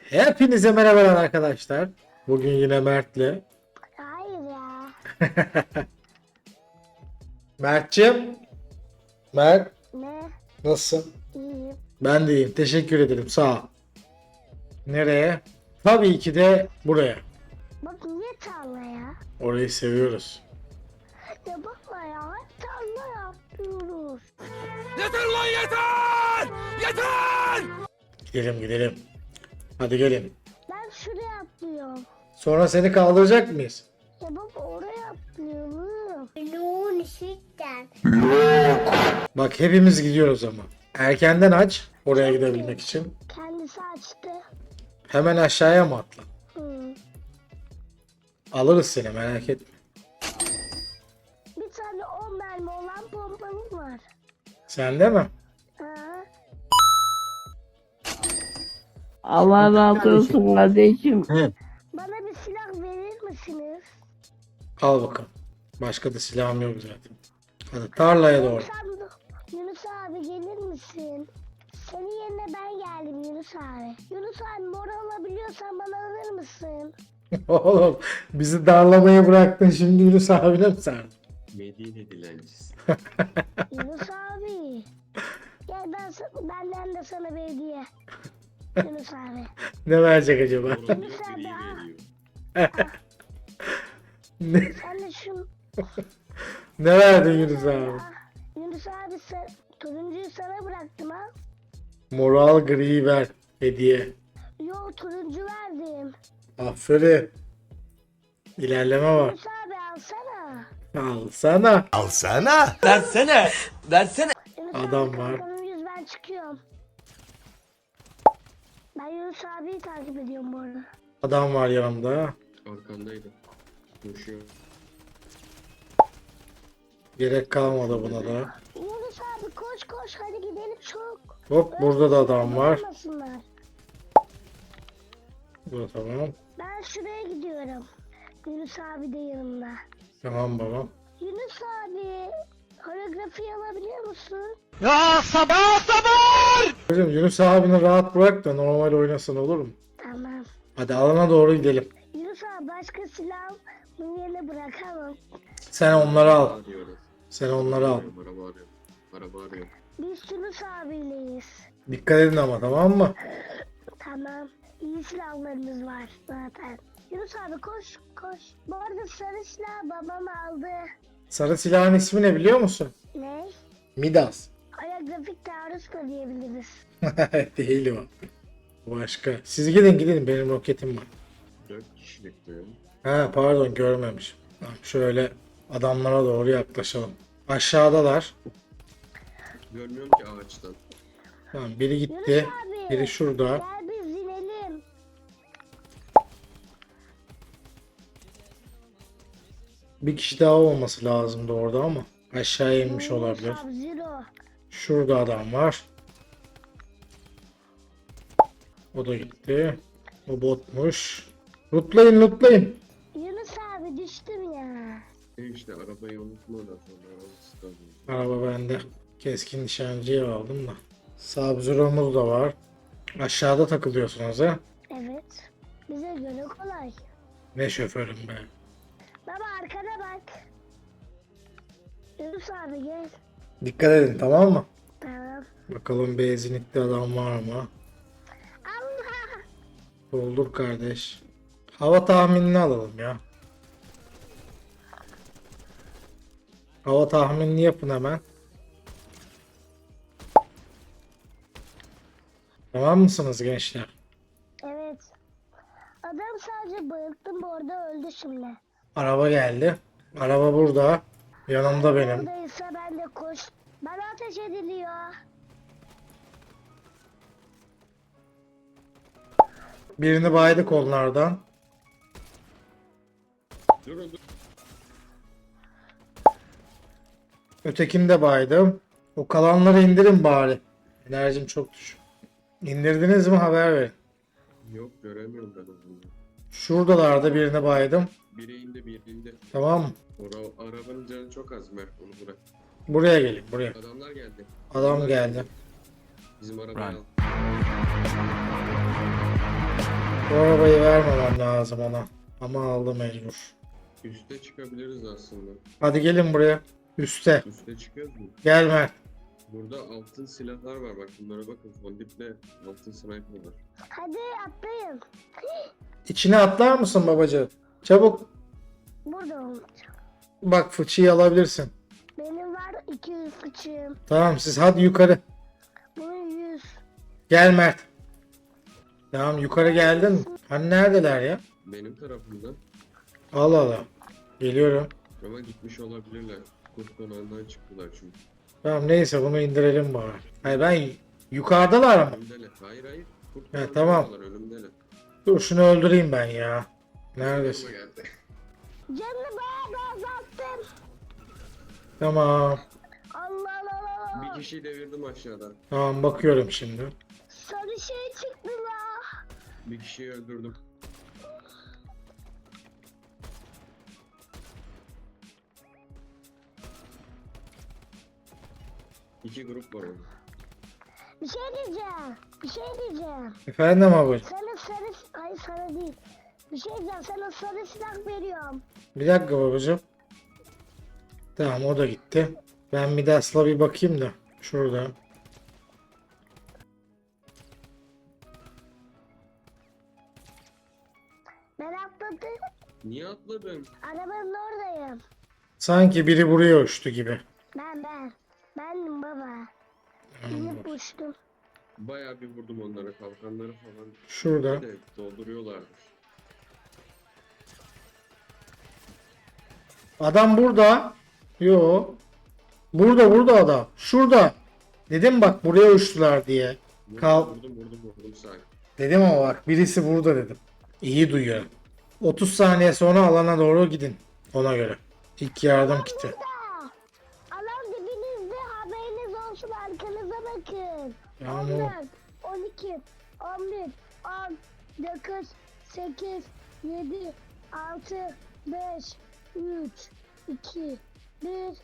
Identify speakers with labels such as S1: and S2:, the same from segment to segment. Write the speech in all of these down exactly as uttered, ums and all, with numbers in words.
S1: Hepinize merhabalar arkadaşlar. Bugün yine Mert'le.
S2: Hayır ya.
S1: Mert'ciğim. Mert,
S2: Ne?
S1: nasılsın?
S2: İyiyim.
S1: Ben de iyiyim. Teşekkür ederim. Sağ ol. Nereye? Tabii ki de buraya.
S2: Bak niye tarla ya?
S1: Orayı seviyoruz.
S2: Ya baba ya hep tarla yapıyoruz.
S3: Yeter lan yeter! Yeter!
S1: Gidelim gidelim. Hadi gelin.
S2: Ben şuraya atlıyorum.
S1: Sonra seni kaldıracak mıyız?
S2: Ya baba oraya atlıyorum. Yoğun ışıktan.
S1: Bak hepimiz gidiyoruz ama. Erkenden aç. Oraya gidebilmek için.
S2: Kendisi açtı.
S1: Hemen aşağıya mı atla?
S2: Hı.
S1: Alırız seni, merak etme.
S2: Bir tane on mermi olan pompamız var.
S1: Sende mi?
S2: Ha?
S4: Allah razı olsun kardeşim.
S1: Hı.
S2: Bana bir silah verir misiniz?
S1: Al bakalım. Başka da silahım yok zaten. Hadi tarlaya doğru.
S2: Yunus abi, Yunus abi gelir misin? Senin yerine ben geldim Yunus abi. Yunus abi mor alabiliyorsan bana alır mısın?
S1: Oğlum bizi darlamayı bıraktın, şimdi Yunus abine mi sardın?
S5: Medine dilencisi.
S2: Yunus abi. Gel ben sa- benden de sana bir hediye. Yunus abi.
S1: Ne verecek acaba?
S5: Oranın
S2: Sen
S5: gri
S2: de al.
S5: veriyor.
S1: ne,
S2: Sen de şu...
S1: ne verdin Yunus abi?
S2: Ah, Yunus abi sen, turuncuyu sana bıraktım ha.
S1: Moral gri ver hediye.
S2: Yo turuncu verdim.
S1: Aferin. İlerleme var.
S2: Yunus abi alsana.
S1: Alsana.
S3: Alsana! Versene! Versene!
S2: Yunus
S1: Adam
S2: abi,
S1: var.
S2: kalkanın yüz ben çıkıyorum. Ben Yunus abiyi takip ediyorum bu arada.
S1: Adam var yanımda.
S5: Arkandaydı. Koşuyor.
S1: Gerek kalmadı buna da.
S2: Yunus abi koş koş hadi gidelim çok.
S1: Hop burada da adam var.
S2: Olmasınlar.
S1: Bu tamam.
S2: Ben şuraya gidiyorum. Yunus abi de yanımda.
S1: Tamam babam.
S2: Yunus abi holografi alabiliyor musun?
S3: Ya sabah sabah!
S1: Hocam Yunus abini rahat bırak da normal oynasın, olur mu?
S2: Tamam.
S1: Hadi alana doğru gidelim.
S2: Yunus abi başka silah bunun yerine bırakamam.
S1: Sen onları al.
S5: Arıyoruz.
S1: Sen onları al.
S5: Arıyorum, araba arıyorum. Araba arıyorum.
S2: Biz Yunus abiyleyiz.
S1: Dikkat edin ama, tamam mı?
S2: Tamam. İyi silahlarımız var zaten. Yunus abi koş koş. Bu arada sarı silah babam aldı.
S1: Sarı silahın ismi ne biliyor musun?
S2: Ne?
S1: Midas.
S2: Holografik taarruz da diyebiliriz.
S1: Değil o. Başka. Siz gidin gidin, benim roketim var.
S5: Dört kişilik diyorum.
S1: Ha pardon, görmemişim. Tamam, şöyle adamlara doğru yaklaşalım. Aşağıdalar.
S5: Görmüyorum ki ağaçtan.
S1: Tamam, biri
S2: Yunus
S1: gitti.
S2: abi.
S1: Biri şurada.
S2: Gel biz inelim.
S1: Bir kişi daha olması lazımdı orada ama aşağıya inmiş olabilir.
S2: Sub-Zero.
S1: Şurada adam var. O da gitti. O botmuş. Lootlayın lootlayın.
S2: Yunus abi düştüm ya.
S5: E işte arabayı unutma da sonra arabası kalıyor.
S1: Araba bende. Keskin nişancıya aldım da. Sub-Zero'muz da var. Aşağıda takılıyorsunuz ha.
S2: Evet. Bize göre kolay.
S1: Ne şoförüm be.
S2: Baba arkana bak. Yunus abi gel.
S1: Dikkat edin, tamam mı?
S2: Tamam.
S1: Bakalım benzinlikte adam var mı?
S2: Allah.
S1: Doldur kardeş. Hava tahminini alalım ya. Hava tahminini yapın hemen. Tamam mısınız gençler?
S2: Evet. Adam sadece bayılttım bu arada öldü şimdi.
S1: Araba geldi. Araba burada. Yanımda benim.
S2: Oradaysa ben de koş. Bana ateş ediliyor.
S1: Birini baydık onlardan.
S5: Dur dur.
S1: Ötekini de baydım. O kalanları indirin bari. Enerjim çok düşük. İndirdiniz mi haber verin.
S5: Yok göremiyorum ben onu.
S1: Şuradalarda birini baydım.
S5: Biri indi biri indi.
S1: Tamam mı?
S5: Ora, arabanın canı çok az Mert onu bırak.
S1: Buraya gelin buraya.
S5: Adamlar geldi.
S1: Adam geldi.
S5: Bizim arabayı
S3: Run.
S5: al.
S1: Bu arabayı vermemem lazım ona. Ama aldı mecbur.
S5: Üste çıkabiliriz aslında.
S1: Hadi gelin buraya. Üste.
S5: Üste çıkıyoruz mu?
S1: Gel Mert.
S5: Burada altın silahlar var bak bunlara bakın. Fondiple altın sniper var.
S2: Hadi atlayın.
S1: İçine atlar mısın babacığım? Çabuk.
S2: Burada olacak.
S1: Bak fıçıyı alabilirsin.
S2: Benim var iki yüz fıçığım.
S1: Tamam siz hadi yukarı.
S2: Bunun yüz.
S1: Gel Mert. Tamam yukarı geldin mi? Hani neredeler ya?
S5: Benim tarafımda.
S1: Al al al. Geliyorum.
S5: Ama gitmiş olabilirler. Kurt konağından çıktılar çünkü.
S1: Tamam neyse bunu indirelim bari. Hayır ben yukarıdalar ama.
S5: Önümdeler. Hayır hayır. Kurt
S1: He,
S5: konağından
S1: tamam.
S5: çıktılar, önümdeler.
S1: Dur şunu öldüreyim ben ya. Neredesin?
S5: Yanıma geldi.
S2: Canını bayağı da azalttım.
S1: Tamam.
S2: Allah Allah Allah.
S5: Bir kişiyi devirdim aşağıda.
S1: Tamam bakıyorum şimdi.
S2: Sarı şey çıktı la.
S5: Bir kişiyi öldürdüm. İki grup var orada.
S2: Bir şey diyeceğim. Bir şey diyeceğim.
S1: Efendim babacığım.
S2: Sana sarı... Hayır sana değil. Bir şey diyeceğim. Sana sarı silah veriyorum.
S1: Bir dakika babacığım. Tamam o da gitti. Ben Midas'la bir bakayım da. Şurada.
S2: Ben atladım.
S5: Niye atladın?
S2: Arabanın oradayım.
S1: Sanki biri buraya uçtu gibi.
S2: Ben ben. Bendim baba. İnip uçtum.
S5: Bayağı bir vurdum onlara. Kalkanları falan.
S1: Şurada.
S5: De dolduruyorlardır.
S1: Adam burada. Yo. Burada burada adam. Şurada. Dedim bak buraya uçtular diye.
S5: Vurdum,
S1: Kal.
S5: vurdum vurdum vurdum sakin.
S1: Dedim ama bak birisi burada dedim. İyi duyuyor. otuz saniye sonra alana doğru gidin. Ona göre. İlk yardım kiti.
S2: Burada. Alan dibinizde, haberiniz olsun, arkanıza bakın.
S1: Tamam.
S2: on dört, on iki, on bir, on, dokuz, sekiz, yedi, altı, beş, üç, iki, bir.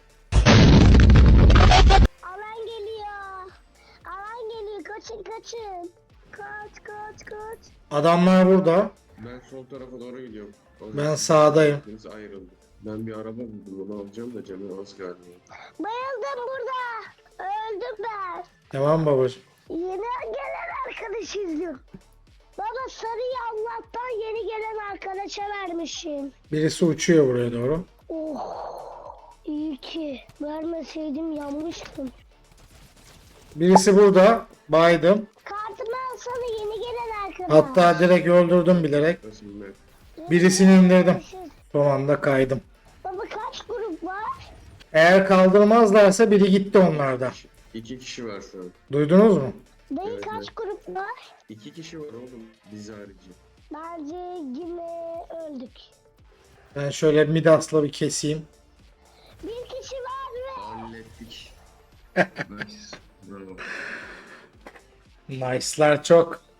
S2: Alan geliyor. Alan geliyor. Kaçın kaçın. Kaç kaç kaç.
S1: Adamlar burada.
S5: Ben sol tarafa doğru gidiyorum. O
S1: Ben
S5: zaman
S1: sağdayım.
S5: ikimiz ayrıldık. Ben bir araba buldum onu alacağım da canı az galiba.
S2: Bayıldım burada. Öldüm ben.
S1: Tamam babacığım.
S2: Yeni gelen arkadaş izliyorum. Baba sarıyı Allah'tan yeni gelen arkadaşa vermişim.
S1: Birisi uçuyor buraya doğru.
S2: Oh, iyi ki vermeseydim yanmıştım.
S1: Birisi burada. Baydım.
S2: Kartımı alsana yeni gelen arkadaş.
S1: Hatta direkt öldürdüm bilerek.
S5: Nasıl bilmem.
S1: birisini indirdim. Son anda kaydım.
S2: Baba kaç grup var?
S1: Eğer kaldırmazlarsa biri gitti onlarda.
S5: İki kişi var şu an.
S1: Duydunuz mu?
S2: Dayı
S5: Evet,
S2: kaç
S5: evet.
S2: grup var?
S5: İki kişi var oğlum. Biz harici.
S2: Bence yine öldük.
S1: Ben şöyle Midas'la bir keseyim.
S2: Bir kişi var ve
S5: Hallettik. Nice. Bravo.
S1: Nice'lar çok.